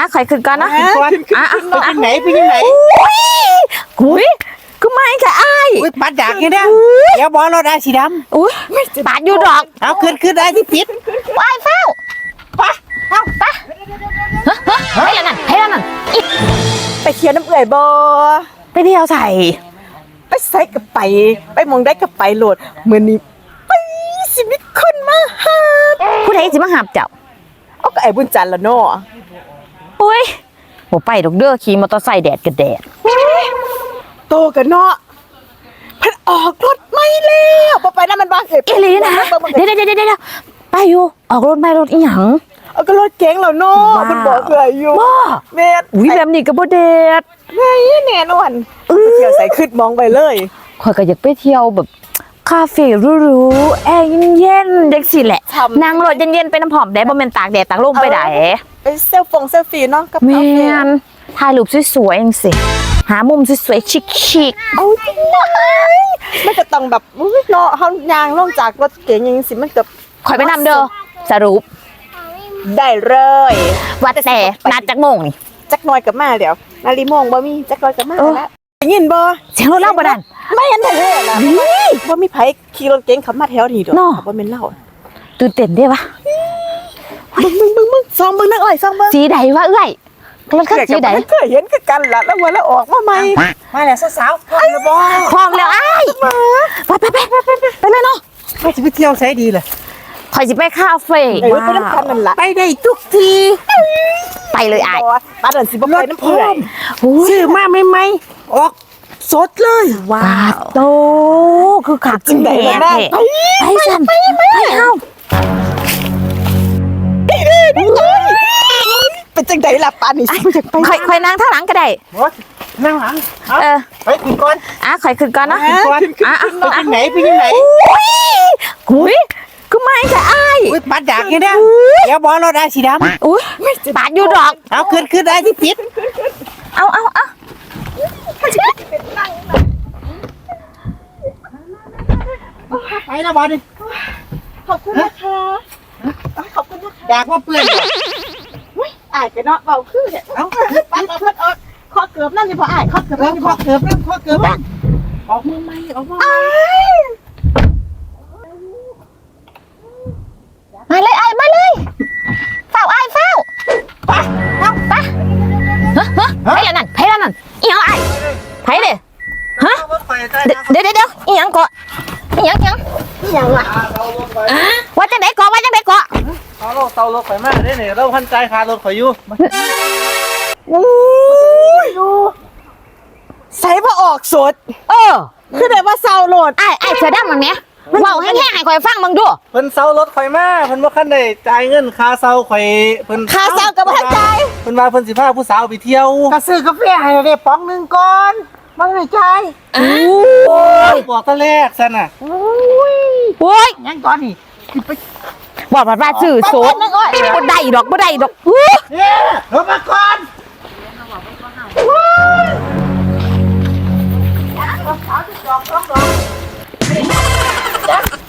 ข่อยขึ้นก่อนนะไปยังไหนไปยังไหนอุ้ยก็ไม่ค่ะอ้ายปัดดักเนี่ยเดี๋ยวบอลเราได้สีดำอุ้ยปาดอยู่ดอกเอาขึ้นได้ที่ปิดว้ายเฝ้าไปให้แล้วนั่นไปเที่ยวน้ำเอื่อยบ่ไปเที่ยวใส่ไปใส่กับไปมองได้กับไปโหลดมื้อนี้ไปสิมีคนมาหาผู้ใดสิมาหาบเจ้าเอาก็ไอ้บุญจันทร์ละเนาะอุ้ยบ่ไปดอกเด้อขี่มอเตอร์ไซค์แดดกับแดดโตกันเนาะเพิ่นออกรถใหม่แล้วบ่ไปนำมันบ่เฮ็ดอีหลีนะเดี๋ยวไปอยู่ออกรถไม่รถอีหยังเอาก็รถเก๋งแล้วเนาะมันบอกเอื่อยอยู่แม่อุ้ยแบบนี้ก็บ่เด็ดไงแน่นอนเที่ยวใส่ขึ้นมองไปเลยข่อยก็อยากไปเที่ยวแบบคาเฟ่หรูๆแอร์เย็นๆจังซี่แหละนั่งรถเย็นๆไปน้ำหอมได้บ่แม่นตากแดดตากลมไปได้ไปเซลฟี่เนาะกับแม่นถ่ายรูปสวยๆจังซี่หามุมสวยๆชิคๆเอาจริงนะมันก็ต้องแบบเนาะเฮายางลงจากรถเก๋งจังซี่มันก็ข่อยไปนำเด้อสรุปได้เลยว่าแต่นัดจักโมงนี่จักหน่อยกับมาเดี๋ยวนาฬิโมงบ่มีจักหน่อยกับมาแล้วได้ยินบ่เสียงรถเล่าบ่ดันไม่เห็นแท้ๆล่ะบ่มีไผขี่รถเก๋งขับมาแถวนี้ดอกบ่แม่นเล่าตื่นเต้นเด้วะมึงซองเบิ่งนักอ้อยซองเบิ่งสีใดวะเอ้ยรถคันสีใดเคยเห็นคือกันล่ะแล้ววันแล้วออกมาใหม่มาแล้วสาวๆพร้อมแล้วบ่พร้อมแล้วอ้ายไปเลยเนาะไม่จะไปเที่ยวใช้ดีเลยข่อยสิไปคาเฟ่ไปน้ำคันนั่นล่ะไปได้ทุกทีไปเลยอ้ายบ้านนั้นสิบ่ไปน้ำเอื่อยซื้อมาใหม่ๆออกสดเลยว้าวโตคือขับจริงแท้ไปสั่นไปเฮาเป็นจังได๋ล่ะปานนี้สิอยากไปข่อยนั่งข้างหลังก็ได้นั่งหลังไปขึ้นก่อนข่อยขึ้นก่อนนะไปยังไหนอุ้ยก็ไม่ค่ะอ้ายปัดดักเนี่ยเดี๋ยวบอลเราได้สีดำอุ้ยปาดอยู่ดอกเอาขึ้นได้ที่ปิดเอาไปนะบอลดิขอบคุณนะคะขอบคุณนะคะอยากว่าเปื่อนอ้ายก็เนาะเว้าคือเนี่ยเอาปัดเพิ่นออกข้อเกือบนั่นสิบ่อ้ายข้อเกือบนั่นสิบ่ข้อเกือบออกมือใหม่ออกมาเลยไอ้มาเลยเฝ้าไอ้เฝ้าไปแล้วนั่นอีหยังไอ้ไผเด้ฮะเดี๋ยวอีหยังเกาะอีหยังวะว่าจังได๋เกาะเอาเตารถข่อยมาได้เนี่ยเราพันใจคารถข่อยอยู่ใส่บ่ออกสดคือได้ว่าเซาโหลดไอ้เสือดำมันแหมเว้าแห้งๆให้ข่อยฟังมึงดูเพิ่นเซารถข่อยมาเพิ่นบ่คันได้จ่ายเงินค่าเซาข่อยเพิ่นค่าเซาก็บ่ทันจ่ายเพิ่นว่าเพิ่นสิพาผู้สาวไปเที่ยวก็ซื้อกาแฟให้ได้ป๋องนึงก่อนบ่ได้จ่ายบอกตะแรกซั่นน่ะโอ้ยยังก่อนนี่บอกว่าซื้อโซดบ่ได้ดอกรถมาก่อนว้าว